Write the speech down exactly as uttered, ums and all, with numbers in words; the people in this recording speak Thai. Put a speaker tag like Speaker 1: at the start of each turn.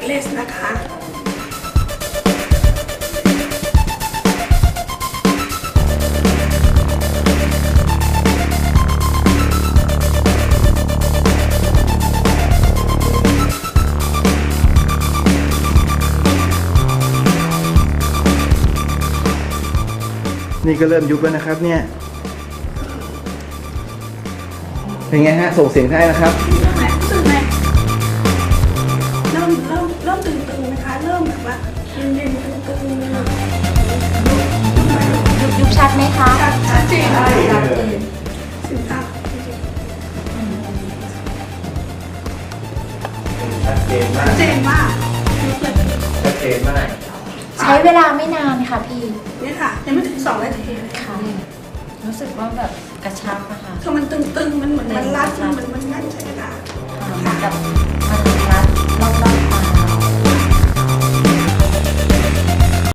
Speaker 1: เลสนะคะ
Speaker 2: นี่ก็เริ่มยุบแล้วนะครับเนี่ยเป็นไงฮะส่งเสียงได้นะครับ
Speaker 1: รู้สึกไหมรู้สึกไหมเริ่มเริ่มเริ่มตึงๆนะคะเริ่มแบบว่าเย็นๆตึงๆ
Speaker 3: ยุบยุบชัดไหมคะ
Speaker 1: ชัดชัดเจนเลย
Speaker 3: ชัดเจน
Speaker 1: สินค้า
Speaker 2: ชัดเจนมา
Speaker 1: ชั
Speaker 2: ก
Speaker 1: ดเจนมาก
Speaker 2: ชัดเจนมาก
Speaker 3: ใช้เวลาไม่นานค่ะพี่
Speaker 1: เนี่ยค่ะยังไม่ถึงสองนาทีเลย
Speaker 3: ค่ะรู้สึกว่าแบบกระชับอะค่ะ
Speaker 1: คือมันตึงๆมันเหมือนมันรัดมันเหมือนมันงั่นใช้เวลา
Speaker 3: เหมือนกับ